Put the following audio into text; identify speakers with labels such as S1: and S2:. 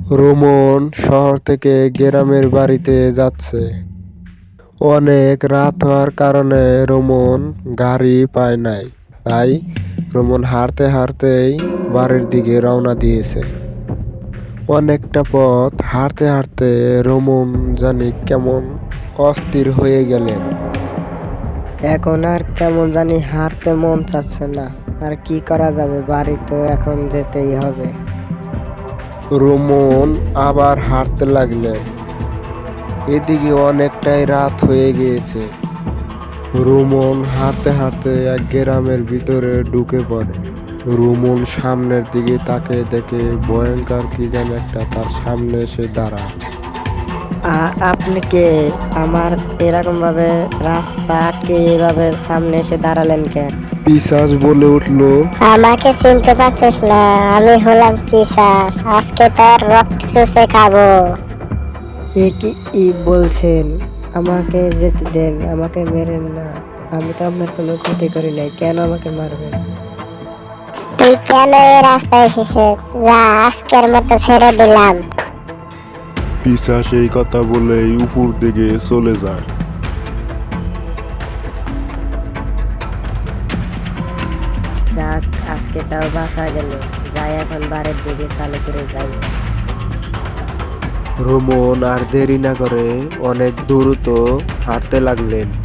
S1: Roman শহর থেকে গ্রামের বাড়িতে যাচ্ছে। অনেক রাত হওয়ার কারণে রোমন গাড়ি পায় নাই, তাই রোমন হাঁটতে হাঁটতেই বাড়ির দিকে রওনা দিয়েছে। অনেকটা পথ হাঁটতে হাঁটতে রোমন জানি কেমন অস্থির হয়ে গেলেন।
S2: এখন আর কেমন জানি হাঁটতে মন চাচ্ছে না। আর কি করা যাবে, বাড়ি তো এখন যেতেই হবে।
S1: রোমন আবার হাঁটতে লাগলেন। এদিকে অনেকটাই রাত হয়ে গিয়েছে। রোমন হাঁটতে হাঁটতে এক গ্রামের ভিতরে ঢুকে পড়ে। রোমন সামনের দিকে তাকে দেখে ভয়ঙ্কর কি যেন একটা তার সামনে এসে দাঁড়ায়।
S2: আপনি কে? আমার এরকম ভাবে রাস্তা আটকে এভাবে সামনে এসে দাঁড়ালেন কেন?
S1: পিশাচ বলে উঠলো,
S3: আমাকে চিনতে পারছিস না? আমি হলাম পিশাচ, আজকে তোর রক্ত চুষে খাবো।
S2: এ কি বলছেন? আমাকে যেতে দেন, আমাকে মেরেন না। আমি তো আপনার কোনো ক্ষতি করি নাই, কেন আমাকে মারবেন?
S3: তুই কেন এই রাস্তায় এসেছিস? যা, আজকের মতো ছেড়ে দিলাম।
S1: পিশাচ এই কথা বলেই উপর দিকে চলে যায়।
S2: যাক, আজকেটাও বাঁচা গেল। যাই, এখন বাড়ির দিকে চালু করে যাই।
S1: রোমন আর দেরি না করে অনেক দ্রুত হাঁটতে লাগলেন।